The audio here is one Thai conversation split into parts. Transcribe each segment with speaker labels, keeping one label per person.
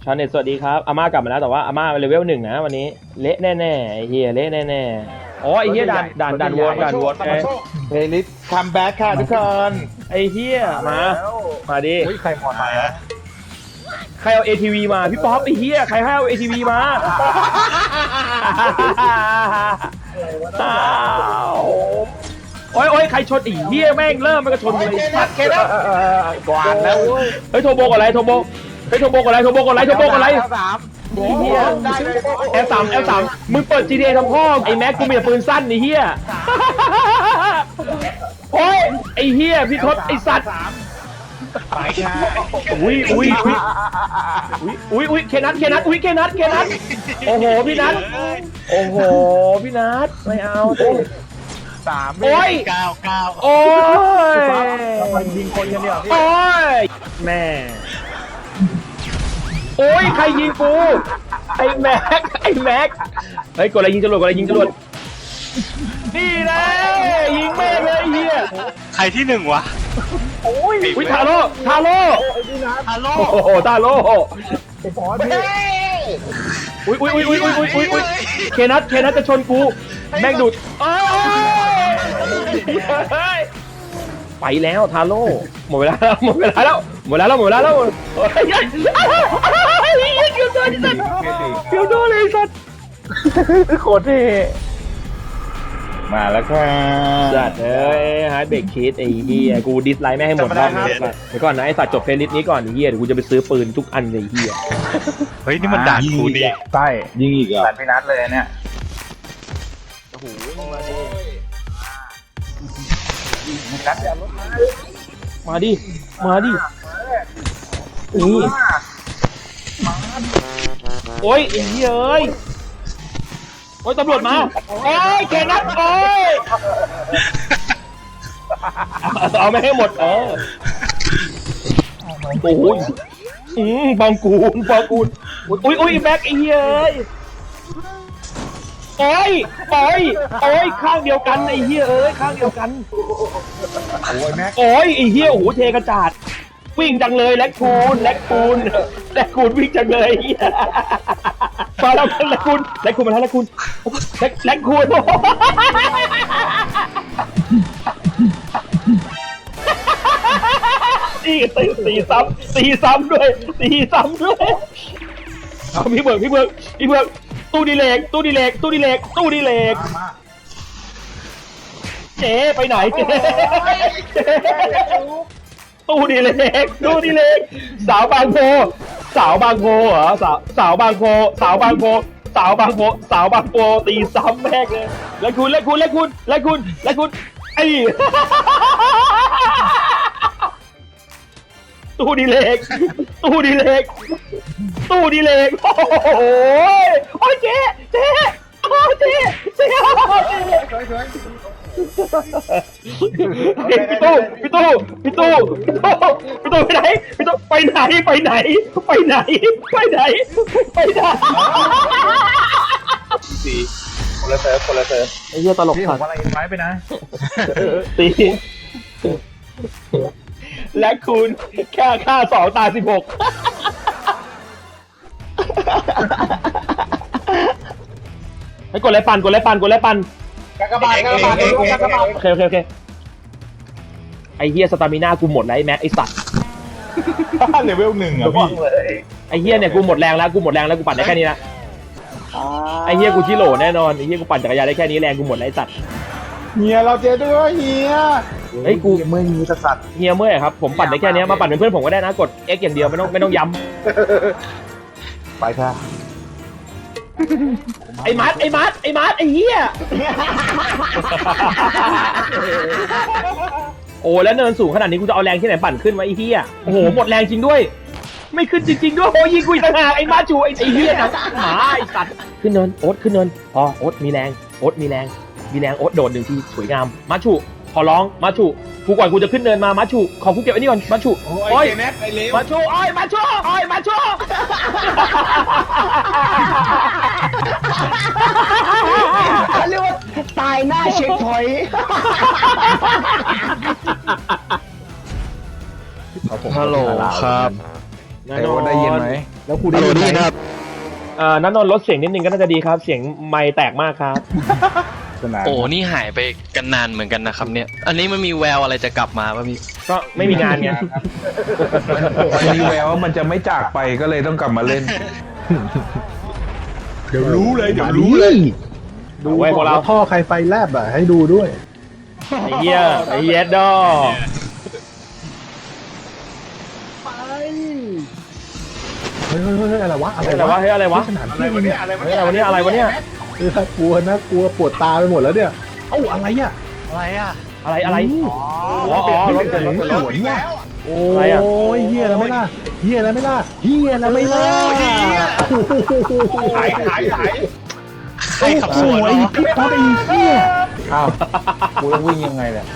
Speaker 1: ชาวเน็ตสวัสดีครับอาม่ากลับมาแล้วแต่ว่าอาม่าเลเวล1นะวันนี้เละแน่ๆไอ้เฮียเละแน่ๆอ๋อไอ้เฮียด่านวน
Speaker 2: เพลย์ลิสต์คัมแบ็กค่ะทุกคน
Speaker 1: ไอ้เฮียมาดิ
Speaker 2: ใครมอไซค์อะ
Speaker 1: ใครเอา ATV มาพี่ป๊อปไอ้เฮียใครให้เอา ATV มาโอ้ยใครชนอีเฮียแม่งเริ่มมันก็ชนเลยสัตว์แค่นั้น
Speaker 2: กวาดแล้ว
Speaker 1: เฮ้ยโทโบก่อนไรโทโบก่อนไรเฮียL3 มึงเปิด GTA ทำพ่อไอ้แม็กกูมีแต่ปืนสั้นไอ้เฮียโอ้ยไอ้เฮียพี่ทศไอ้สัตว์
Speaker 2: ไปค่ะ
Speaker 1: อุ้ยเคนัทโอ้โหพี่นัทไม่เอา
Speaker 2: 3
Speaker 1: โอ้ย
Speaker 3: 9
Speaker 1: โอ้ย
Speaker 2: มันยิงคนกันเดียว
Speaker 1: โอ้ยแม่โอ้ยใครยิงกูไอ้แม็กเฮ้ยกดอะไรยิงจรวดนี่เลยยิงแม่งเลยเฮีย
Speaker 3: ใครที่หนึ่งวะ
Speaker 1: อุ้ยทาโร่โอ้โหทาโร่อุ้ยเคนัทจะชนกูแม่งดูดไปแล้วทาโร่หมดเวลาแล้วเกือบโดนเลยสัตว์
Speaker 2: โคตรเท่มาแล้วค่ะ
Speaker 1: จัดฮาร์ดเบรกคิดไอ้เหี้ยกูดิสไลน์ไม่ให้หมดรอบนี้เดี๋ยวก่อนนะไอ้สัตว์จบเพลย์ลิสต์นี้ก่อนไอ้เหี้ยเดี๋ยวกูจะไปซื้อปืนทุกอันเลยไอ้เหี้ย
Speaker 3: เฮ้ยนี่มันด่านกูนี่
Speaker 2: ใช่ยิงอีกเหรอพี่นัทเลยเนี่ย
Speaker 1: โอ้โหมาดินี่โอ้ยไอ้เหี้ยเอ้ยโอ้ยตำรวจมาโอ้ยแกนัทโอ้ยเอาไม่ให้หมดโอ้ยบางกูนอุ้ยแบ็คไอ้เหี้ยโอ้ยข้างเดียวกันไอ้เหี้ยเอ้ยข้างเดียวกันโอ้ยไอ้เหี้ยโอ้โหเทกระจาดวิ่งจังเลยแลกคูนวิ่งจังเลยเหี้ยมาแล้วแลกคูนมาแล้วแลกคูนตีซ้ำด้วยเอาพี่เบิกตู้ดีเลกเจ๊ไปไหนเจ๊ตู้ดีเลกสาวบางโพเหรอสาวบางโพตีซ้ำแม่งเลยแล้วคุณไอ้ตู้ดีเลกโอ้โหโอ้ยเจ๊พี่ตู้ไปไหน
Speaker 2: สี่คนละเซิร์ฟ
Speaker 1: ไอ้เหี้ยตลก
Speaker 2: พี่ผมอะไรไว้ไปนะ
Speaker 1: ตีและคุณแค่ฆ่า2 ตาย 16ให้กดอะไรปั่น
Speaker 2: กากบาท
Speaker 1: โอเคไอ้เหี้ยสตามิน่ากูหมดแล้วไอ้แม็กไอ้สัตว์
Speaker 2: เลเวล1อ่ะพี่
Speaker 1: ไอ้เหี้ยเนี่ยกูหมดแรงแล้วกูปั่นได้แค่นี้ละไอ้เหี้ยกูชิโร่แน่นอนไอ้เหี้ยกูปั่นจักรยานได้แค่นี้แรงกูหมดแล้วไอ้สัตว์
Speaker 2: เฮียเราเจอด้วยเฮีย
Speaker 1: เฮ้ยกู
Speaker 2: เมื่อมีสัตว์
Speaker 1: เฮียเมื่อยครับผมปั่นได้แค่นี้มาปั่นเป็นเพื่อนผมก็ได้นะกด X อย่างเดียวไม่ต้องย้ำ
Speaker 2: ไปค่ะ
Speaker 1: ไอ้มัดไอ้เหี้ยโอ้แล้วเนินสูงขนาดนี้กูจะเอาแรงที่ไหนปั่นขึ้นวะไอ้เหี้ยโอ้โหหมดแรงจริงด้วยไม่ขึ้นจริงๆด้วยโอ้ยิงกูอีกต่างหากไอ้มาจูไอ้เหี้ยนะหมาไอ้สัตว์ขึ้นเนินโอ๊ตขึ้นเนินพอโอ๊ตมีแรงโอ๊ตโดด1 ทีสวยงามมาจูขอร้องมาจูกูก่อนกูจะขึ้นเนินมามาจูขอกูเก็บไว้นี่ก่อนมาจูโอ้ยมาจู
Speaker 4: เขาเรียกว่าตายหน้าเช็คพอยต์
Speaker 2: ฮัลโหลครับ
Speaker 1: แน่นอน
Speaker 2: ได้ยินไหม
Speaker 5: แล้วครูได้ยินไหม
Speaker 1: นันนนท์ลดเสียงนิดนึงก็น่าจะดีครับ เสียงไมค์แตกมากครับ
Speaker 2: สนาน
Speaker 6: โอ้นี่หายไปกันนานเหมือนกันนะครับเนี่ย อันนี้มันมีแววอะไรจะกลับมาป่ะพี่
Speaker 1: ก็ไม่มีงานไง
Speaker 2: มันมีแววว่ามันจะไม่จากไปก็เลยต้องกลับมาเล่น
Speaker 5: เดี๋ยวรู้เลยดู
Speaker 1: ไว้พวกเรา
Speaker 5: ท่อใครไฟแลบอ่ะให้ดูด้วย
Speaker 1: ไอ้เหี้ยไอ้เหี้ยดอ
Speaker 5: เฮ้ยอะไรวะ
Speaker 1: อะไรวะเฮ้ยอะไรวะ
Speaker 5: ขนาดที่เนี่ย
Speaker 1: เฮ้ยอะไรวะเนี่ยอะไรวะเนี่ย
Speaker 5: น่ากลัวปวดตาไปหมดแล้วเนี่ยเอ้าอะไรอ่ะ
Speaker 3: อะไรอ่ะ
Speaker 1: อะไรอะไรอ๋อรถเกิดรถเกิดรถ
Speaker 5: สวนว่ะโอ้
Speaker 1: อะไรอ่ะ
Speaker 5: ยเฮียแล้วไม่ล่ะเฮียแล้วไม่ล่ะเฮียแล้วไม่ล่ะ
Speaker 2: หาย
Speaker 3: ใครขับสวน
Speaker 5: โอ้
Speaker 3: เหร
Speaker 5: ย
Speaker 3: อ
Speaker 5: พี่ป๊อปไอ้เฮีย
Speaker 2: อ้าวกูต้องวิ่งยังไงเนี่ย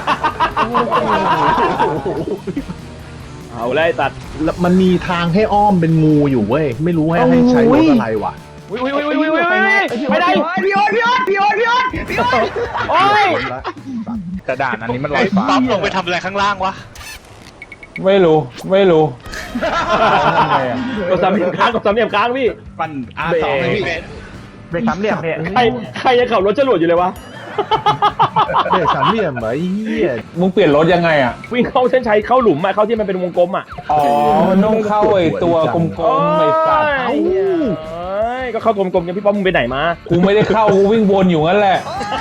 Speaker 1: เอาเลยตัด
Speaker 5: มันมีทางให้อ้อมเป็นงูอยู่เว้ยไม่รู้ให้ใช้รถอะไรวะ
Speaker 1: อุ้ยไม่ได้
Speaker 4: พี่โอ๊ต
Speaker 1: โอ้ย
Speaker 2: แต่ด่านอันนี้มันลอยฟ้า
Speaker 3: ปั๊มลงไปทำอะไรข้างล่างวะ
Speaker 2: ไม่รู้ทำไงอ่ะ
Speaker 1: กดสามเหลี่ยมค้างพี่
Speaker 2: ปั่น R2 เลยพี่เป็นสามเหลี่ยมเนี่ย
Speaker 1: ใครยังขับรถจรวดอยู่เลยวะ
Speaker 5: เด็กสามเหลี่ยมเหรอไอ้เฮีย
Speaker 2: มึงเปลี่ยนรถยังไงอ่ะ
Speaker 1: วิ่งเข้าเส้นชัยเข้าหลุมอะเข้าที่มันเป็นวงกลมอะ
Speaker 2: อ๋อ มันต้องเข้าไอ้ตัวกลมๆไอ้สัตว์
Speaker 1: เอ้ยก็เข้ากลมๆกันพี่ป้อมมึงไปไหนมา
Speaker 2: กูไม่ได้เข้ากูวิ่งวนอยู่งั้นแหละ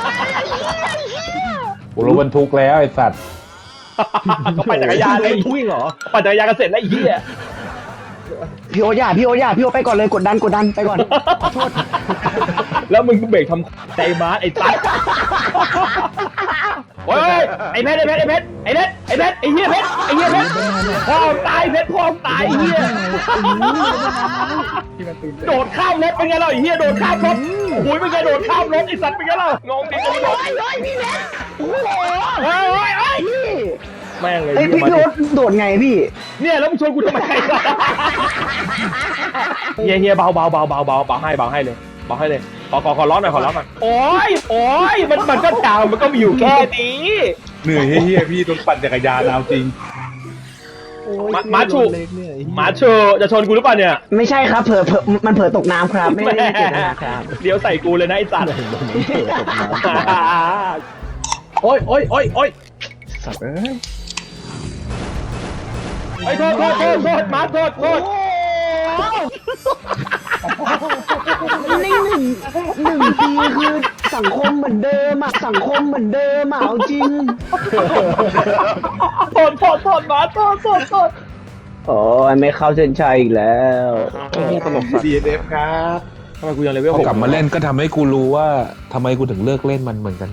Speaker 2: กูรถบรรทุกแล้วไอ้สัตว์
Speaker 1: ก็ปั่นจักรยานเลย
Speaker 5: วิ่งเหรอ
Speaker 1: ปั่นจักรยานกันเสร็จแล้วไอ้เหี้ย
Speaker 4: พี่โอ๊ตพี่โอ๊ตไปก่อนเลยกดดันไปก่อนขอโทษ
Speaker 1: แล้วมึงเบรกทำใจมาร์ไอ้ตั๊ดโอ้ยไอ้เพชรไอ้เหี้ยเพชรพ่อตายเพชรพ่อตายไอ้เหี้ยโดดข้ามรถเป็นไงล่ะไอ้เหี้ยโดดข้ามรถโอ้ยเป็นไงโดดข้ามรถไอ้สัตว์เป็นไงล่ะงงดิโดด
Speaker 4: พี่แม็กโอ้โห
Speaker 1: เฮ้ย
Speaker 4: พี่
Speaker 1: แม่งเลย
Speaker 4: เฮ้ยพี่โอ๊ตโดดไงพี่
Speaker 1: เนี่ยแล้วมึงชวนกูทำไมเฮียเบาให้เลยขอร้อนหน่อยโอ้ยมันก็ดาวมันก็มีอยู่แค่นี้
Speaker 2: เหนื่อยเฮียพี่ต้องปั่นจักรยานเอาจริง
Speaker 1: มาชูจะชนกูหรือเปล่าเนี่ย
Speaker 4: ไม่ใช่ครับมันเผลอตกน้ำครับไม่ได้เจตนาครับ
Speaker 1: เดี๋ยวใส่กูเลยนะไอ้สัตว์
Speaker 5: โอ้ยสัตว์เอ้ย
Speaker 1: ไอ้โทษมาโทษ
Speaker 4: นี่หนึ่งปีคือสังคมเหมือนเดิมอะเอาจริง
Speaker 1: โทษมาโทษ
Speaker 4: โอ้ยไม่เข้าเส้นชัยอีกแล้ว
Speaker 1: ตลกสัตว์
Speaker 5: DNF ครับ
Speaker 1: ทำไมกูยังเลเวล
Speaker 2: พ
Speaker 1: ห
Speaker 2: อก กลับมาเล่นก็ทำให้กูรู้ว่าทำไมกูถึงเลิกเล่นมันเหมือนกันนะ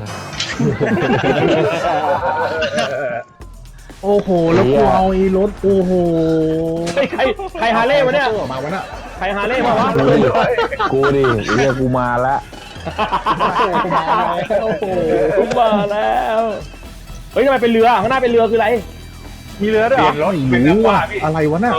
Speaker 5: โอ้โหแล้วกูเอาไอ้รถโอ้โห
Speaker 1: ใครฮาเล่วะเนี่ย
Speaker 5: มาวะน่ะ
Speaker 1: ใครฮาเล่มาวะ
Speaker 2: กูดิเรียกกูมาละ
Speaker 5: โอ้โห
Speaker 1: กูมาแล้วเฮ้ยทำไมเป็นเรือข้างหน้าเป็นเรือคืออะไรมีเรือด้วยเหรอ
Speaker 5: ไม่รู้ว่าอะไรวะน่ะ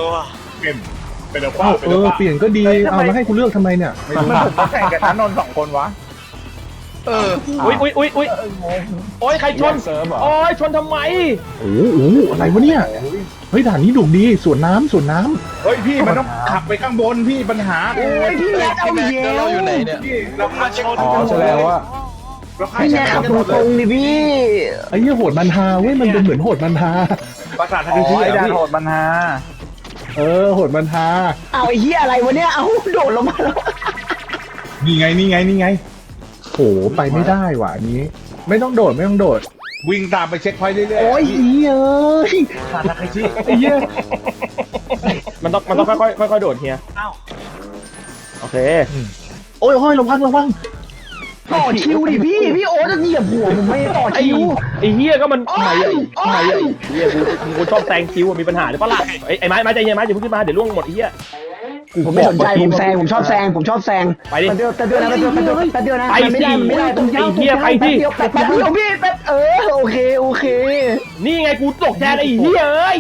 Speaker 5: เปลี่ยนก็ดีเอาแล้วให้กูเลือกทำไมเนี่ย
Speaker 2: แข่งกับนนท์2 คนวะ
Speaker 1: อุ้ยโอ้ยใครชน
Speaker 2: เซิร์ฟเหรอ
Speaker 1: โอ้ยชนทำไม
Speaker 5: โอ้โหอะไรวะเนี่ยเฮ้ยด่านนี้ดุดีสวนน้ำ
Speaker 2: เฮ้ยพี่มันต้องขับไปข้างบนพี่ปัญหา
Speaker 4: โอ้ยพี่แม็กเอาอีกแล้ว
Speaker 6: อยู่ไหนเนี่ย
Speaker 2: เรามาชนอ๋อแสดงว่า
Speaker 4: พี่แม็กขับตรงๆดิพี่
Speaker 5: ไอ้เหี้ยโหดมันฮาเว้ยมันเป็นเหมือนโหดมันฮา
Speaker 2: ประสาททางที่ไอ้ดาโหดปัญหา
Speaker 5: โหดมันฮา
Speaker 4: เอาไอ้เหี้ยอะไรวะเนี่ยเอาโดดลงมาแล้ว
Speaker 2: นี่ไง
Speaker 5: โหไปไม่ได้ว่ะอันนี้ ไม่ต้องโดด
Speaker 2: วิ่งตามไปเช็คพอยต์เรื่อยๆ
Speaker 5: โอ้ยอีเอ้ยไอ้เหี้ย
Speaker 1: มันต้องค่อยโดดเฮียโอเค
Speaker 5: โอ้ยระวัง
Speaker 4: ต่อคิวดิพี่โอ๊ตจะเหยียบหัวผมไม่ต่อคิว
Speaker 1: ไอ้เฮียก็มัน
Speaker 4: โอ้ย
Speaker 1: เฮียกูชอบแซงคิวมีปัญหาหรือเปล่าล่ะไอ้ไม้ใจเย็นไม้อย่าเพิ่งขึ้นมาเดี๋ยวล่วงหมดไอ้เฮีย
Speaker 4: ผมไม่สนใจผมชอบแซง
Speaker 1: ไปดิ
Speaker 4: แป๊บเดียวนะ
Speaker 1: ไป
Speaker 4: ไม่ได้ตรงยาว
Speaker 1: ไอ้เหี้ยไปดิ
Speaker 4: แป๊บเดียวพี่โอเค
Speaker 1: นี่ไงกูตกแทนไอ้เฮียเอ้ย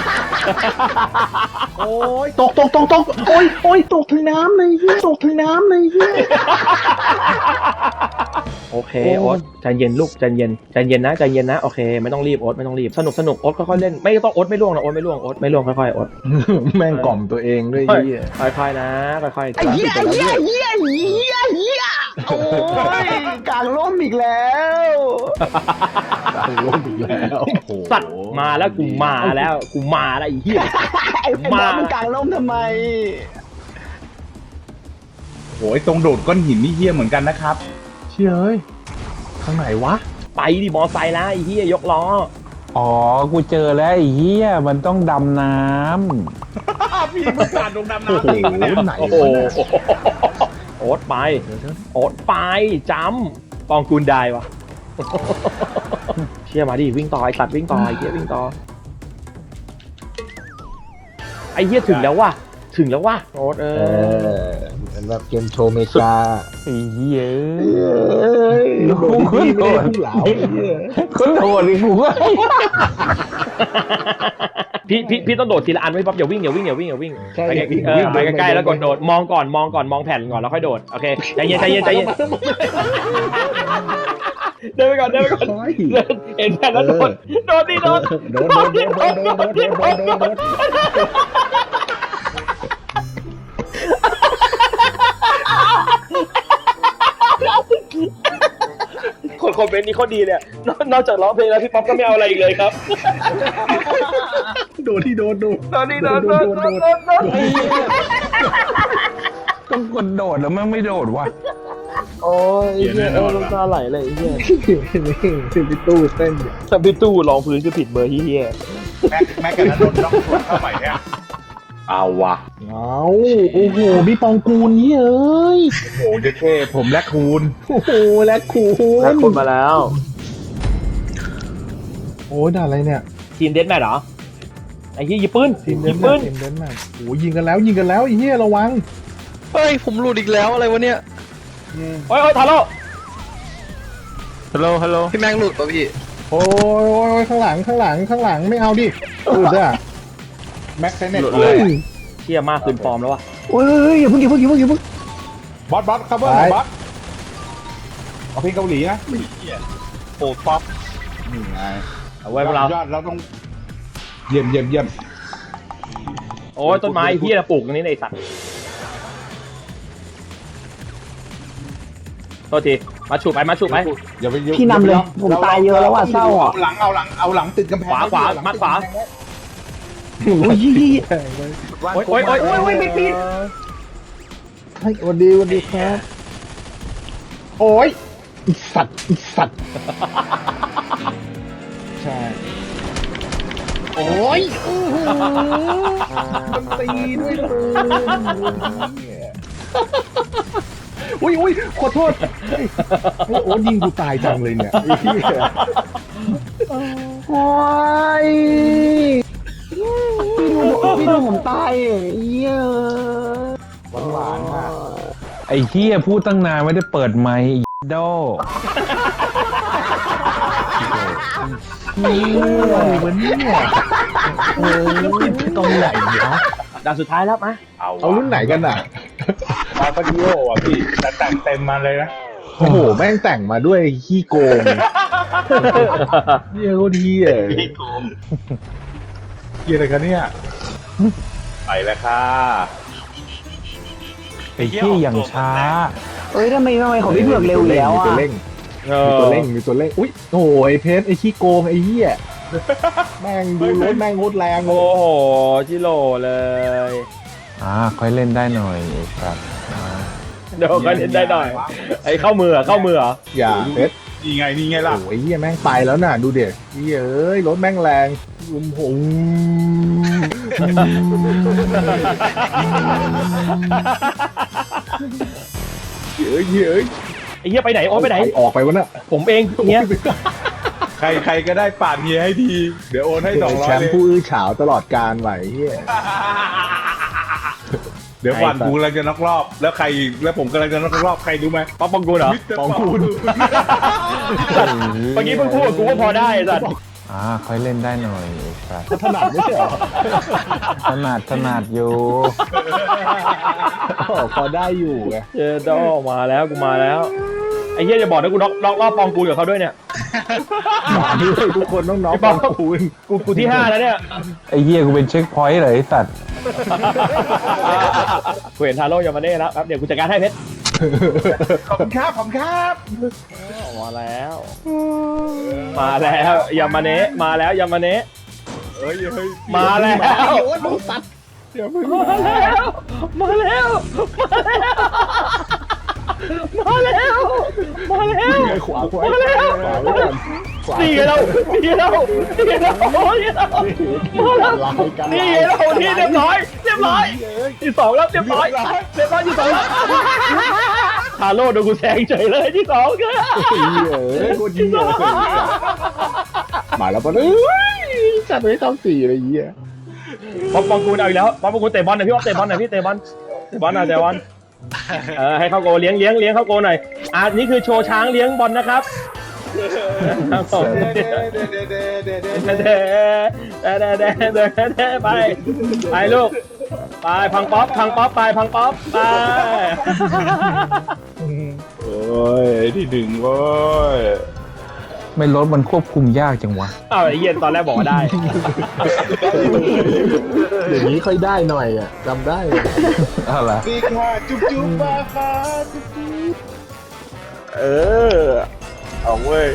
Speaker 5: โอ้ยตกโอ้ยตกถึงน้ำเลยเหี้ย
Speaker 1: โอเคโอ๊ตใจเย็นลูกใจเย็นใจเย็นนะใจเย็นนะโอเคไม่ต้องรีบโอ๊ตไม่ต้องรีบสนุกโอ๊ตค่อยๆเล่นไม่ต้องโอ๊ตไม่ล่วงนะโอ๊ตไม่ล่วงโอ๊ตไม่ล่วงค่อยๆโอ๊ต
Speaker 5: แม่งกล่อมตัวเองด้วย
Speaker 1: ค่อย
Speaker 5: เหี้ย
Speaker 1: ค่อยๆนะค่อยๆ
Speaker 4: ไอ้เหี้ยโอ้ยกลางร่มอีกแล้ว
Speaker 5: ล้มอีกแล้วโอ้โห
Speaker 1: สัตว์มาแล้วกูมาแล้วไอ้เหี้ย
Speaker 4: ไอ้บอสมันกลางร่มทำไม
Speaker 2: โอ้ยตรงโดดก้อนหินนี่เหี้ยเหมือนกันนะครับ
Speaker 5: เชี่ยเอ้ยข้างไหนวะ
Speaker 1: ไปดิมอไซค์นะไอ้เหี้ยยกล้อ
Speaker 7: อ๋อ กูเจอแล้วไอ้เหี้ยมันต้องดำน้
Speaker 2: พี่มึงสาดลงดำ
Speaker 5: โอ้
Speaker 2: น้ำ
Speaker 5: โห
Speaker 2: จริงปะเนี่ย
Speaker 5: ไหน
Speaker 1: โอ้โห
Speaker 5: วะเนี่ย
Speaker 1: โอ๊ตไปโอ๊ตไปจำปองกูลได้วะเชี่ยมาดิวิ่งต่อไอ้สัตว์วิ่งต่อไอ้เหี้ยวิ่งต่อไอ้เหี้ยถึงแล้วว่ะโอ๊ต
Speaker 4: เหมือนแบบเกมโชว์เมกา
Speaker 7: ำไอ้เหี้ย
Speaker 5: โดนที่ไม่ได้พุ่งเหลาไอ้เหี้ย
Speaker 7: คนโหดดิกูว่า
Speaker 1: พี่ต้องโดดทีละอันไว้ป๊อปอย่าวิ่งไปไปใกล้ๆแล้วกดโดดมองก่อนมองแผ่นก่อนแล้วค่อยโดดโอเคใจเย็นเดินไปก่อนเห็นแผ่นแล้วโดดดิโดด
Speaker 5: โดน
Speaker 1: คนคอมเมนต์นี้เขาดีเนี่ยนอกจากร้องเพลงแล้วพี่ป๊อปก็ไม่เอาอะไรอีกเลยครับ
Speaker 5: โดน
Speaker 7: ต้องกดโดดแล้วมันไม่โดดว่ะ
Speaker 1: โอ้ยเหี้ยน้ำตาไหลเลยเหี้ย
Speaker 5: พี่ตู้เต้นอยู่
Speaker 1: ถ้าพี่ตู้รองพื้นคือผิดเบอร์เหี้ย
Speaker 2: แม็กกันนะโดนล็อกสวนเข้าไปเนี่ย
Speaker 5: เอาว่ะเอาโอ้โหพี่ปองกูลนี่เอ้ย
Speaker 2: โอ้โหเจ๊เท่ผมแลกคูณ
Speaker 5: โอ้โหและคูณ
Speaker 1: แล้วคนมาแล้ว
Speaker 5: โอ้ยด่าอะไรเนี่ย
Speaker 1: ทีมเดนแมทเหรอไอ้เหี้ยหยิบปืน
Speaker 5: ทีม
Speaker 1: ห
Speaker 5: เดิ
Speaker 1: ยิ
Speaker 5: น
Speaker 1: บ
Speaker 5: มา
Speaker 1: ปืน
Speaker 5: ทีมเดินมาโอ้ยยิงกันแล้วไอ้เหี้ยระวัง
Speaker 6: เฮ้ย ผมหลุดอีกแล้วอะไรวะเนี่ย
Speaker 1: โอ้ยทาโร่
Speaker 7: ฮัลโหล
Speaker 6: พี่แม่งหลุดป่ะพี่
Speaker 5: โอ้ยข้างหลังไม่เอาดิอุดอ่ะ
Speaker 2: แม็กไซเน็ต
Speaker 1: เชี่ยมากคืนฟอร์มแล้ววะ
Speaker 4: โอ้ยอย่าเพิ่ง
Speaker 2: บอสครับเบอร์บอสเอาเพลงเกาหลีนะ
Speaker 3: โอ้ป๊อป
Speaker 2: นี่ไง
Speaker 1: เอาไว้พวกเรา
Speaker 2: ยอดเราต้องเยี่ยม
Speaker 1: โอ้ยต้นไม้เหี้ยปลูกตรงนี้ในสัตว์โทษทีมาฉูบไป
Speaker 2: อย่าไป
Speaker 4: พี่นำเลยผมตายเยอะแล้วว่ะเศร้าอ่ะ
Speaker 2: เอาหลังติดกำแพง
Speaker 1: ขวามัดขวา
Speaker 4: โอ้ย
Speaker 1: โอ้ยไม่ปิด
Speaker 5: เฮ้ยสวัสดีครับโอ้ยอีสัตว์ใช่โอ้ยมันตีด้วยเลยอุ้ยขอโทษเฮ้ยโอ้ยิงกูตายจังเลยเนี่ยไอ้เหี้ย
Speaker 4: โอ้ยพี่ดูผมตายเหี้ย
Speaker 5: หวานมาก
Speaker 7: ไอ้เหี้ยพูดตั้งนานไม่ได้เปิดไมค์ไอ้โด
Speaker 5: อะไรวะเนี่ยติดไปตรงไหนวะ
Speaker 1: ด่านสุดท้ายแล้วมา
Speaker 5: เอารุ่นไหนกันอ่ะ
Speaker 2: มาคาดิโออ่ะพี่แต่งเต็มมาเลยนะ
Speaker 5: โอ้โหแม่งแต่งมาด้วยขี้โกงเหี้ยโคตรเหี้ย
Speaker 2: เกียร์อะไรกันเนี่ยไปแล้วค่ะ
Speaker 7: ไอ้เหี้ยอย่างช้า
Speaker 4: เอ้ยทำไมของพี่เผือกเร็วอยู่แล้ว
Speaker 5: มี
Speaker 4: อ่ะ
Speaker 5: ตัวเร่งมีตัวเร่งอุ้ยโอ้ยเพชรไอ้ขี้โกงไอ้เหี้ยแม่งดูรถแม่งโคตรแรงเล
Speaker 1: โอ้
Speaker 5: ย
Speaker 1: โหจิโร่เลย
Speaker 7: ค่อยเล่นได้หน่อยไอ้สัส
Speaker 1: เดี๋ยวก็เล่นได้หน่อยไอ้เข้ามือเหรอ
Speaker 5: อย่าเพชร
Speaker 2: นี่ไงล่ะ
Speaker 5: โอ้ยเหี้ยแม่งไปแล้วน่ะดูเด็กเหี้ยเอ้ยรถแม่งแรงลุมหงเฮ้ย
Speaker 1: ไอ้เหี้ยไปไหนโอ้ไปไหน
Speaker 5: ออกไปวะน่ะ
Speaker 1: ผมเองเนี้ย
Speaker 2: ใครก็ได้ปาดเฮียให้ทีเดี๋ยวโอนให้200
Speaker 5: แชมป์ผู้อื้อฉาวตลอดการไหวเฮีย
Speaker 2: เดี๋ยววันกูกำลังจะน็อกรอบแล้วใครแล้วผมกำลังจะน็อกรอบใครรู้ไหม
Speaker 1: ป๊อปปองกูลเหรอ
Speaker 5: ปองกูล
Speaker 1: เมื่อกี้เพิ่งพูดกับกูว่าพอได้ไอ้สัตว์
Speaker 7: ค่อยเล่นได้หน่อยไอ้สัส
Speaker 5: ถนัดไม่ใช่เหรอ
Speaker 7: ถนัดอยู่
Speaker 5: พอได้อยู่ไง
Speaker 1: เจอดอมาแล้วกูมาแล้วไอ้อ้เหี้ยจะบอกนะกูน็อกรอบปองกูกับเขาด้วยเนี่ย
Speaker 5: มาด้วยทุกคนน้อง
Speaker 1: ไอ้
Speaker 5: ๆ
Speaker 1: ปอง
Speaker 5: คูณ
Speaker 1: กูที่ 5แล้วเนี่ย
Speaker 7: ไอ้เหี้ยกูเป็นเช็คพอยต์เลยไอ้สัตว์
Speaker 1: กูเห็นทาโร่ยามาเน่แล้วครับเดี๋ยวกูจัดการให้เพชร
Speaker 2: ขอบคุณครับขอบคุณครับ
Speaker 1: มาแล้ว มาแล้วยามาเนะมาแล้วยามาเนะ
Speaker 2: เฮ้ยเฮ้ย
Speaker 1: มาแล้ว
Speaker 2: โอ้ยมึงตัดเดี๋ยวมึง
Speaker 1: มาแล้วมาแล้วมาแล้วมาแล้ว
Speaker 5: ขวาขวา
Speaker 1: มาแล้ว
Speaker 5: ขวา
Speaker 1: นี่ไงเรานี่เรานี่เรานี่เรามาแล้วนี่เรานี่เรียบร้อยที่2แล้วเรียบร้อยที่2แล้วฮาโลโดนกูแซงเฉยเลยที่2ก็
Speaker 5: โคตรเหี้ยมาแล้วปะจัดไว้เข้า4อะไรเงี้ย
Speaker 1: ป๊อปปองกูเอาอีกแล้วป๊อปปองกูเตะบอลหน่อยพี่ป๊อปเตะบอลหน่อยพี่เตะบอลหน่อยเตะบอลให้เข้าโกเลี้ยงเข้าโกหน่อยนี่คือโชว์ช้างเลี้ยงบอลนะครับไปลูกไปพังป๊อปไป
Speaker 2: โอ้ยที่ดึงโว้ย
Speaker 7: ไม่รถมันควบคุมยากจังวะ
Speaker 1: อ้าวไอ้เหี้ยตอนแรกบอกว่าได้
Speaker 5: อย่างนี้ค่อยได้หน่อยอ่ะจำได้
Speaker 7: อะไร
Speaker 2: สิค่ะจุ๊บจุ๊บมาค่ะจุ๊บจุ๊บเอาเว้ย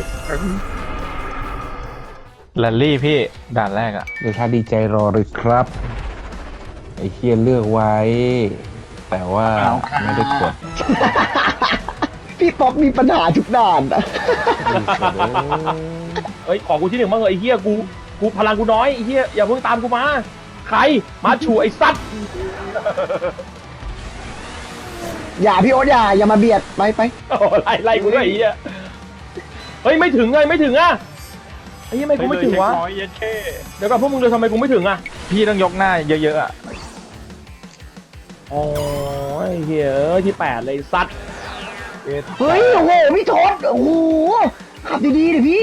Speaker 3: แรลลี่พี่ด่านแรกอะ
Speaker 7: เดี๋ยวถ้าดีใจรอเลยครับ ไอ้เหี้ยเลือกไว้ แต่ว่าไม่ได้กด
Speaker 4: พี่ป๊อปมีปัญหาทุกด่านอะ
Speaker 1: เอ้ยขอกูที่1บ้างเหรอไอ้เหี้ยกูพลังกูน้อยไอ้เหี้ยอย่าเพิ่งตามกูมาใครมาชูไอ้สัตว์
Speaker 4: อย่าพี่โอ๊ตอย่ามาเบียดไป
Speaker 1: โอ้ไล่กูด้วยไอ้เหี้ยเฮ้ยไม่ถึงไงไม่ถึงอ่ะไอ้เหี้ยไม่กูไม่ถึงวะ
Speaker 3: น้อยเย็นแค่
Speaker 1: เดี๋ยวก่อนพวกมึงเลยทำไมกูไม่ถึงอ่ะ
Speaker 3: พี่ต้องยกหน้าเยอะๆอะ
Speaker 1: โอ้ยเฮ้ยที่8เลยสัตว์
Speaker 4: เฮ้ยโอ้โหพี่ทศโอ้โหขับดีๆดิพี่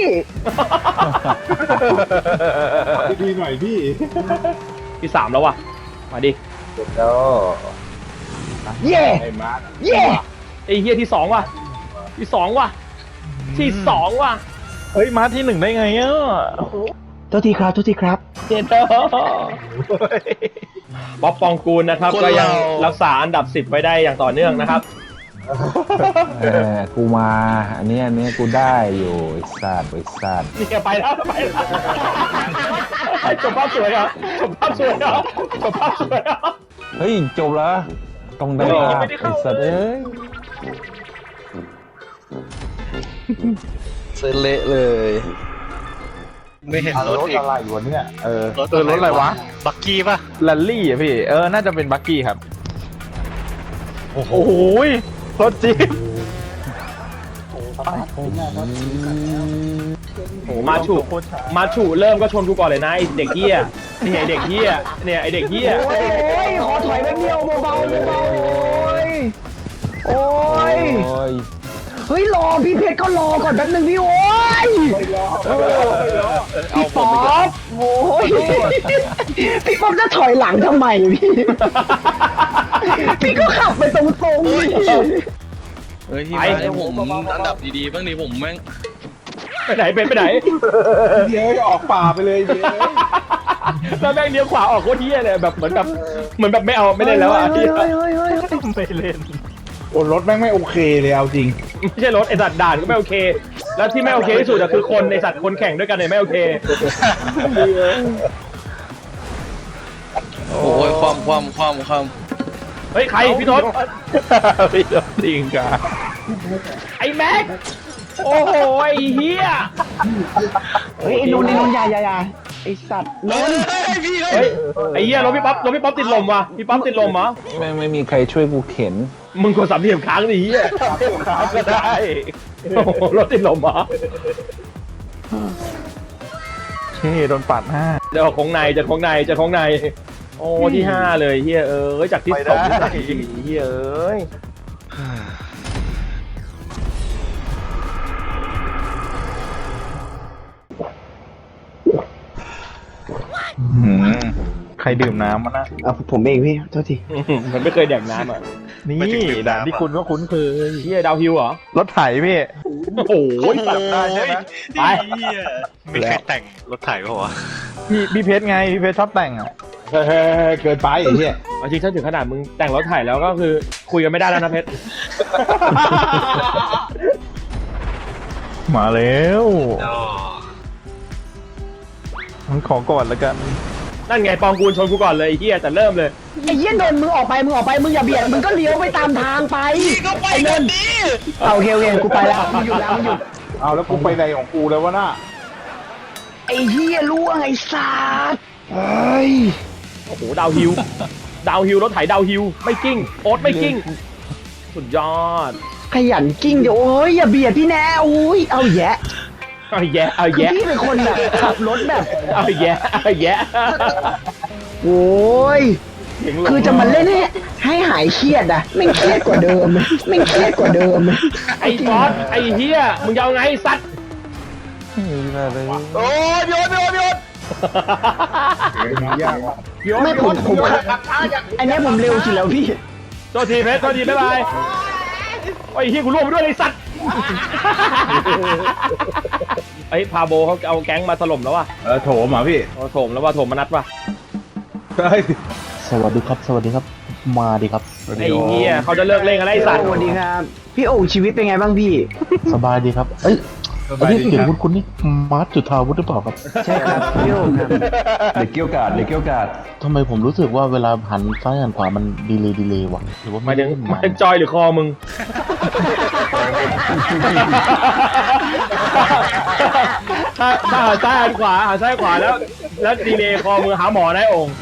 Speaker 2: ดีๆหน่อยพี่
Speaker 1: ที่3แล้วว่ะมาดิ
Speaker 2: แล้ว
Speaker 4: เย่
Speaker 2: ไอ้มาร์ค
Speaker 4: เย่
Speaker 1: ไอ้เฮียที่2ว่ะที่2ว่ะที่2ว่ะ
Speaker 3: เฮ้ยมาที่1ได้ไงอ่ะ
Speaker 4: โทษทีครับ
Speaker 1: เจนเตอร์บ๊อบปองกูลนะครับก็ยังรักษาอันดับ10ไว้ได้อย่างต่อเนื่องนะครับ
Speaker 7: กูมา อันเนี้ยกูได้อยู่ไอ้สัตว์
Speaker 1: นี่แกไปแล้วจบภาพสวยเหรอจบภาพสวยเหรอ
Speaker 7: เฮ้ย จบแล้วต้องได้
Speaker 1: เฮ้ย
Speaker 7: ลา
Speaker 1: ยังไม่
Speaker 7: บ
Speaker 1: ได้
Speaker 7: ไอ้
Speaker 1: เข้า
Speaker 7: สัตว์เอ้ย
Speaker 6: เส้นเละเลย ไม่เห็นรถอีก
Speaker 2: อะไรวะเนี่ย
Speaker 3: รถอะไรวะ
Speaker 6: บักกี้ป่ะ
Speaker 3: แรลลี่อะพี่น่าจะเป็นบักกี้ครับโอ้โหรถจี๊ป
Speaker 1: โอ้มาชูเริ่มก็ชนกูก่อนเลยนะไอเด็กเหี้ยนี่ไอเด็กเหี้ยเนี่ยไอเด็กเหี้ย
Speaker 4: โอ้ยขอถอยแป๊บเดียวเบาๆโอ้ย
Speaker 7: โอ้ย
Speaker 4: เฮ้ยรอพี่เพชรก็รอก่อนแป๊บนึงพี่โอ้ยพี่ป๊อปโอ้ยพี่ป๊อปจะถอยหลังทำไมพี่พี่ก็ขับไปตรงๆนี่
Speaker 6: เฮ้ยพี่มาให้ผมอันดับดีๆบ้างดิผมแม่ง
Speaker 1: ไปไหนเป็นไปไหน
Speaker 2: เดี๋ยวออกป่าไปเลยเดี๋ยว
Speaker 1: แล้วแม่งเลี้ยวขวาออกโคตรเหี้ยเลยแบบเหมือนแบบไม่เอาไม่เล่นแล้วอ่ะ
Speaker 4: เฮ้ย
Speaker 3: ไม่เล่น
Speaker 2: โอ้รถแม่งไม่โอเคเลยเอาจริง
Speaker 1: ไม่ใช่รถไอสัตว์ด่านก็ไม่โอเค แล้วที่ไม่โอเคที่สุดอะคือคนไอสัตว์คนแข่งด้วยกันเนี่ยไม่โอเค
Speaker 6: โอ้ยความ
Speaker 1: เฮ้ยใครพี่ทศ
Speaker 3: พี่รถจริงกะ
Speaker 1: ไอ้แม็กโอ้โหไอ้เหี้ย
Speaker 4: เฮ้ยไอ้นนท์อย่าไอ้สัตว์นนท์
Speaker 1: เฮ้ยไอ้เหี้ยรถพี่ป๊อปติดลมว่ะพี่ป๊อปติดลมเหรอ
Speaker 7: ไม่มีใครช่วยกูเข็น
Speaker 1: มึงกด3เหลี่ยมค้างดิเหี้ย
Speaker 3: ก็ได้
Speaker 1: โอ้โหรถติดลมเหรอ
Speaker 3: เช่โดนปัดหน้า
Speaker 1: เดี๋ยวของในโอ้ที่5เลยเหี้ยจากที่2ที่4เหี้ยเอ้ย
Speaker 3: ใครดื่มน้ำมานะ
Speaker 4: ผมเองพี่โทษที
Speaker 1: มันไม่เคยแดกน้ำอ่ะ
Speaker 3: นี่
Speaker 2: ไม่ถึงลืม
Speaker 3: ด่านที่คุณก็คุ้นเคย
Speaker 1: เฮียดาวฮิวเหรอ
Speaker 3: รถไถพี่
Speaker 1: โอ้โห
Speaker 3: จับได้ใช่ไหม
Speaker 1: ไป
Speaker 6: ไม่เคยแต่งรถไถป่าวะ
Speaker 3: พี่เพชรไงพี่เพชรชอบแต่งอ่ะ
Speaker 5: เฮ้ยเกินไปไอ้เหี้ย
Speaker 1: เอาจริงถ้าถึงขนาดมึงแต่งรถถ่ายแล้วก็คือคุยกันไม่ได้แล้วนะเพชร
Speaker 3: มาแล้วมันขอก่อนแล้วกัน
Speaker 1: นั่นไงปองกูลชนกูก่อนเลยไอ้เฮียแต่เริ่มเลย
Speaker 4: ไอ้เหี้ยนนท์มึงออกไปมึงอย่าเบียดมึงก็เลี้ยวไปตามทางไปก็ไปกันดิโอเคกูไปแล้วมึงหยุดแล้วมึงหยุด
Speaker 5: เอาแล้วกูไปไหนของกูแล้ววะน่ะ
Speaker 4: ไอ้เหี้ยล่วงไอ้สัตว์เฮ้ย
Speaker 1: โอ้โหดาวฮิวดาวฮิวรถไถดาวฮิวไม่กิ้งโอ๊ตไม่กิ้งสุดยอด
Speaker 4: ขยันกิ้งเดี๋ยวโอ้ยอย่าเบียดพี่แน่อุ้ยเอาแยะ
Speaker 1: เอาแยะเอา
Speaker 4: คือ
Speaker 1: แยะ
Speaker 4: พี่เป็นคนแบบขับรถแบบ
Speaker 1: เอาแยะเอาแยะ
Speaker 4: โอ้ย
Speaker 1: เสียงหลง
Speaker 4: คือจะมาเล่นให้หายเครียดอะไม่งเครียดกว่าเดิมไม่งเครียดกว่าเดิม
Speaker 1: ไอ้บอสไอ้เฮียมึงจะเอาไงสัตว์
Speaker 3: โอ้ยโยน
Speaker 5: ยากว่ะ
Speaker 4: ไม่ผมอันเนี้ยผมเร็วสุดแล้วพี่
Speaker 1: โทษทีเพชรโทษทีบ๊ายบายโอ้ยเฮียกูร่วงไปด้วยไอ้สัตว์ไอ้ยพาโบเขาเอาแก๊งมาถล่มแล้วว่ะ
Speaker 5: โถมเหรอพี่
Speaker 1: เอาโถมแล้วว่าโถมมานัดว่ะ
Speaker 5: เฮ้ย
Speaker 7: สวัสดีครับ สวัสดีครับ มาดีครับ
Speaker 1: ไอ้เฮียเขาจะเลิกเล่นกันแล้วไอ้สัตว์
Speaker 4: สวัสดีครับ พี่โอ่งชีวิตเป็นไงบ้างพี่
Speaker 7: สบายดีครับ เอ้ยไอ้ที่เสียงคุณนี่มาร์ทจุธาวุฒิหรือเปล่าครับ
Speaker 4: ใช่ครับพี่โอ่งครับ
Speaker 7: เด็กเกี้ยวกาดทำไมผมรู้สึกว่าเวลาหันซ้ายหันขวามันดีเลย์ว่ะหรือว่า
Speaker 1: หมายถึง
Speaker 7: เล่น
Speaker 1: หมายถึงจอยหรือคอมึง ถ้าหันซ้ายหันขวาหันซ้ายขวาแล้วดีเลย์คอมือหาหมอได้องค์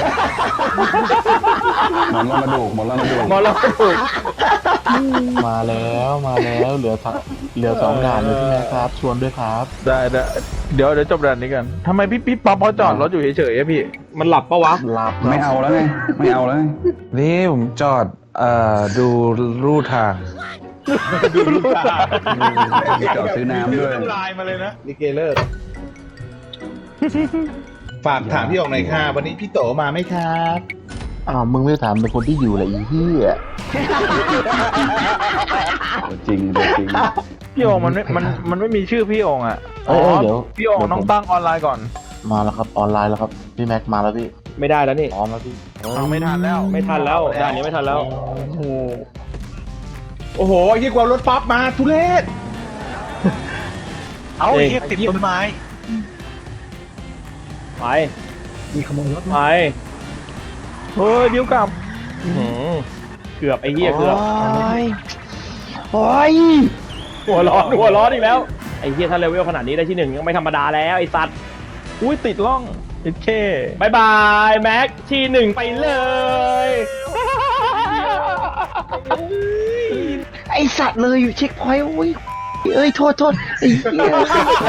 Speaker 7: หมอนรองกระดูก
Speaker 1: หมอเราถูก
Speaker 7: มาแล้วเหลือสองด่านเลยใช่ไหมครับ ชวนด้วยครับ
Speaker 3: ได้เดี๋ยวจบด่านนี้กันทำไมพี่ป๊อปเขาจอดรถอยู่เฉยๆอะพี่
Speaker 1: มันหลับปะวะ
Speaker 7: หลับ
Speaker 8: ไม่เอาแล้วไง ไม่เอาแล้วไง นี่ผมจอดดูรูทาง จอดซื้อน้ำด้วย
Speaker 3: ลายมาเลยนะ
Speaker 5: ลิเกเลิกฝากถามพี่ออกหน่อยค่ะวันนี้พี่โตมาไหมครับ
Speaker 7: อ้าวมึงไม่ถามเป็นคนที่อยู่แหละอีเหี้ย
Speaker 8: จริงจริง
Speaker 3: พี่โองมันไม่มีชื่อพี่โองอ่ะ
Speaker 7: เอ้ยเดี๋ยว
Speaker 3: พี่โองต้องตั้งออนไลน์ก่อน
Speaker 7: มาแล้วครับออนไลน์แล้วครับพี่แม็กมาแล้วพี่
Speaker 1: ไม่ได้แล้วนี่
Speaker 7: พร้อมแล้วพี่
Speaker 3: ฟังไม่ทันแล้ว
Speaker 1: ไม่ทันแล้วด่านนี้ไม่ทันแล้ว
Speaker 5: โอ้โหยิ่งกว่ารถป๊อปมาทุเรศ
Speaker 6: เอาเฮียติดต้นไม้
Speaker 1: ไปมีขโมยรถไป
Speaker 3: เฮ้ยบิ้วกลับ
Speaker 1: เกือบไอ้เหี้ยเกือบ
Speaker 4: โอ้ย
Speaker 1: หัวร้อนอีกแล้วไอ้เหี้ยถ้าเลเวลขนาดนี้ได้ที่หนึ่งยังไม่ธรรมดาแล้วไอ้สัตว์
Speaker 3: อุ้ยติดล่องติดเค
Speaker 1: บายบายแม็กที่หนึ่งไปเลย
Speaker 4: ไอสัตว์เลยอยู่เช็คพอยต์โอ้ยเอ้ยโทษไอ้เหี้ย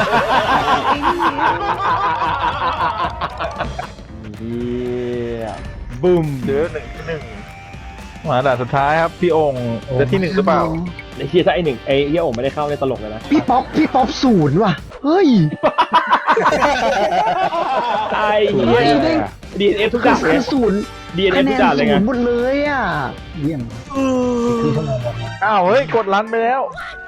Speaker 1: เหี้ยบึ้ม
Speaker 3: เดือ1 ที่ 1มาด่านสุดท้ายครับพี่โองจะที่ 1หรือเปล่า
Speaker 1: ไอ้เหี้ยถ้าไอ้หนึ่งไอ้เหี้ยโอ่งไม่ได้เข้าในตลกเลยนะ
Speaker 4: พี่ป๊อปศูนย์ว่ะเฮ้ย
Speaker 1: ไอ้เหี้ย DNF ทุกด่านเล
Speaker 4: คื
Speaker 1: ย
Speaker 4: อศูนย์
Speaker 1: DNF
Speaker 4: คะแน
Speaker 1: ทุก
Speaker 4: น
Speaker 1: ด่านเลย
Speaker 4: ศู
Speaker 1: ไง
Speaker 4: นย์หมดเลยอ่ะ
Speaker 3: อ้าวเฮ้ยกดรันไปแล้ว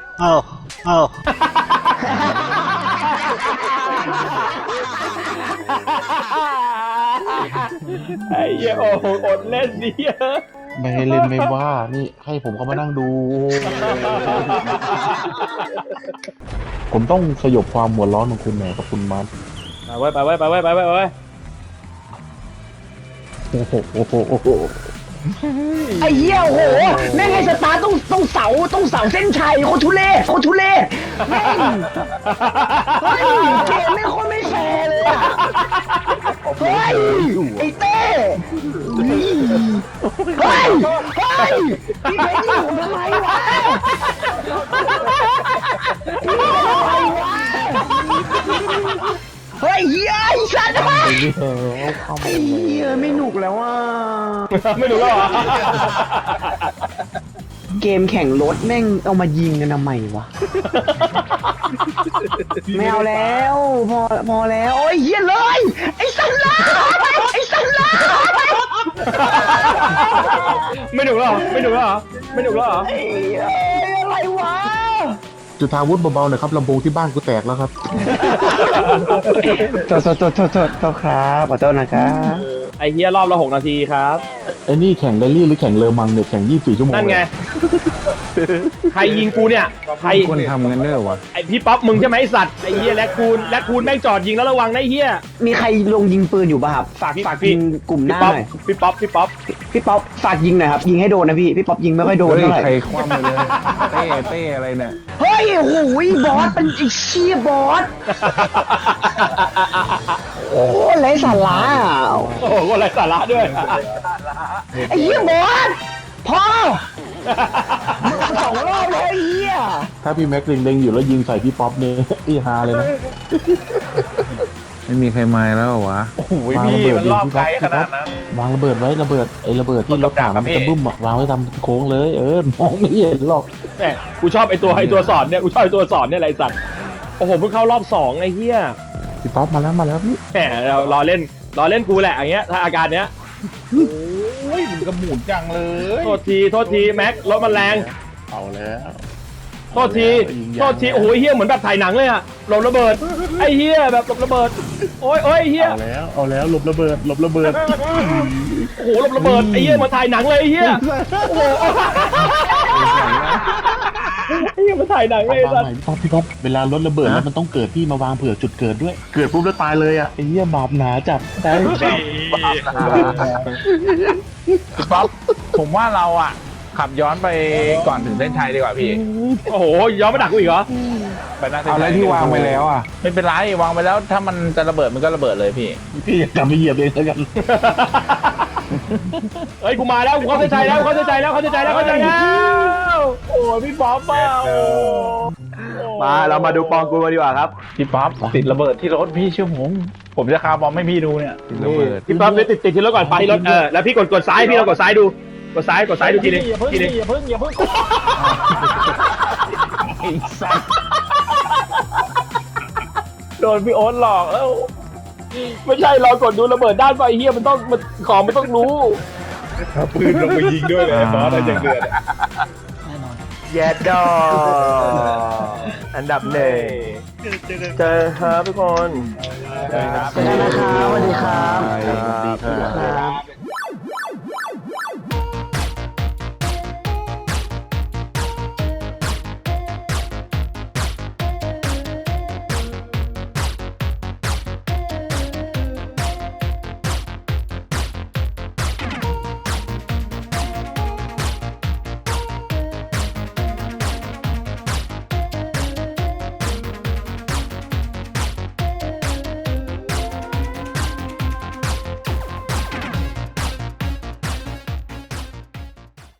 Speaker 1: ไอ้เหี้ยโอ่งอดเล่นดิเยอะ
Speaker 7: ไม่ให้เล่นไม่ว่านี่ให้ผมเข้ามานั่งดู ผมต้องสยบความหัวร้อนของคุณหน่อยครับคุณมาร์ท
Speaker 1: ไปไว้
Speaker 7: โอ้โห
Speaker 4: ไอ้เหี้ยโอ้โหแม่งไงสตาร์ต้องเสาเส้นชัยโคตรทุเล่แม่งเฮ้ยเกมไม่งโคตรไม่แฟร์เลยอ่ะเฮ้ยไอ้เต้เฮ้ยพี่เพชรยิงผมทำไมวะเฮ้ยเหี้ยไอ้สัตว์
Speaker 7: ไปเรื่อยเข้ามา
Speaker 4: ไอ้เหี้ยไม่หนุกแล้วอ่ะ
Speaker 1: ไม่รู้แล้วเหรอ
Speaker 4: เกมแข่งรถแม่งเอามายิงกันทำไมวะ ไม่เอาแล้ว พอแล้วโอ้ยเหี้ยเลยไอ้สันลาไอ้สันลา
Speaker 1: ไม่หนุกแล้วเหรอไม่หนุกแล้วเหรอไม่หนุกแล้วเหรอ
Speaker 4: ไอ้อะไรวะ
Speaker 5: จุธาวุฒิเบาๆหน่อยครับลำโพงที่บ้านกูแตกแล้วครับ
Speaker 4: โทษครับขอโทษนะครับ
Speaker 1: ไอ้เฮียรอบละ6 นาทีครับ
Speaker 5: ไอ้นี่แข่งแรลลี่หรือแข่งเลอมังเนี่ยแข่ง24 ชั่วโมง
Speaker 1: นั่นไง ใครยิงกูเนี่ยใคร
Speaker 8: คนทำกันเด้อวะ
Speaker 1: ไอพี่ป๊อปมึงใช่ไหมไอสัตว์ไอเฮียแลคคูนแม่งจอดยิงแล้วระวังนะไอเฮีย
Speaker 4: มีใครลงยิงปืนอยู่ป่ะครับ ฝากยิงกลุ่มหน้าหน่อย
Speaker 1: พี่ป๊อป
Speaker 4: พี่ป๊อปฝากยิงหน่อยครับ ยิงให้โดนนะพี่ป๊อปยิงไม่ค่อยโดน
Speaker 8: เฮ้ย
Speaker 4: เท่าไหร่
Speaker 8: ใครคว่ำไปเลย เต้อะไรเนี่ย
Speaker 4: เฮ้ยโอ้โหบอสเป็นไอ้เชี่ยบอส โอ้ไรสาระอ่ะ
Speaker 1: โอ้โหอะไรสาระด้วย
Speaker 4: ไอ้เหี้ยบอสพอมึงเอาสองรอบเลยไอ้เหี้ย
Speaker 5: ถ้าพี่แม็กซ์เล็งๆอยู่แล้วยิงใส่พี่ป๊อปเนี่ย อีฮาเลยนะ
Speaker 8: ไม่มีใครมาแล้วเหรอวะ
Speaker 3: โอ้โหพี่มันรอบไกลขนาดนั้น
Speaker 5: วางระเบิดไว้ระเบิดไอ้ระเบิดที่รถถังมันจะบึ้มอะวางไว้ทำโค้งเลยมองไม่เห็นหรอก
Speaker 1: แหมกูชอบไอตัวสอนเนี่ยกูชอบไอตัวสอนเนี่ยอะไรสัตว์โอ้โหเพิ่งเข้ารอบ2ไอเฮีย
Speaker 5: พี่ป๊อปมาแล้วพี่
Speaker 1: แหมเรารอเล่นกูแหละอย่างเงี้ยถ้าอาการเนี้ย
Speaker 2: โอ้ยมันกระหมุนจังเลย
Speaker 1: โทษทีแม็กรถมันแรง
Speaker 2: เอาแล้ว
Speaker 1: โทษทีโอ้โหเฮียเหมือนแบบถ่ายหนังเลยอะหลบระเบิดไอเฮียแบบหลบระเบิดโอ้ยเฮีย
Speaker 2: เอาแล้วหลบระเบิด
Speaker 1: โอ้โหหลบระเบิดไอ้เหี้ยมาถ่ายหนังเลยไอ้เหี้ยโอ้โหไอ้เหี้ยมาถ่ายหนังเลย
Speaker 5: วางใหม่พี่ป๊อปเวลารถระเบิดแล้วมันต้องเกิดพี่มาวางเผื่อจุดเกิดด้วย เกิดปุ๊บแล้วตายเลยอ่ะไอ้เหี้ยบาปหนาจัดใช่
Speaker 3: พี่ป๊อปผมว่าเราอ่ะ ขับย้อนไปก่อนถึงเส้นชัยดีกว่าพี่
Speaker 1: โอ้โหย้อนมาดักกูอีกเหรอ
Speaker 3: ไปหน้าเส้น
Speaker 8: เอา
Speaker 3: ชั
Speaker 8: แล้ว
Speaker 3: ย
Speaker 8: ที่วางไปแล้วอ่ะ
Speaker 3: ไม่เป็นไรวางไปแล้วถ้ามันจะระเบิดมันก็ระเบิดเลยพี่
Speaker 5: พี่อย่ากลับไปเหยียบเองแล้วกัน
Speaker 1: เฮ้ยกูมาแล้วกูเข้าใจแล้วโอ้ยพี่ป๊อปเปล่ามาเรามาดูปองกูมาดีกว่าครับ
Speaker 3: พี่ป๊อปติดระเบิดที่รถพี่เชื่อผมจะคาร์บอมให้พี่ดูเนี่ย
Speaker 8: ระเบิด
Speaker 1: พี่ป๊อปเลยติดที่รถก่อนไปที่รถแล้วพี่กดซ้ายพี่เรากดซ้ายดูกดซ้ายดูทีนึง
Speaker 2: อย่าเพิ่ง
Speaker 1: โดนพี่โอ๊ตหลอกแล้วไม่ใช่เรากดดูระเบิดด้านไฟเฮียมันต้องของมันต้องรู้
Speaker 2: ปืนลงไปยิงด้วยเลยบอสอะไรจังเดือด
Speaker 1: แยดดออันดับหนึ่งเจอครับทุกคน
Speaker 4: สวัสดีครับ
Speaker 5: สวัสดีครับ
Speaker 4: ครับ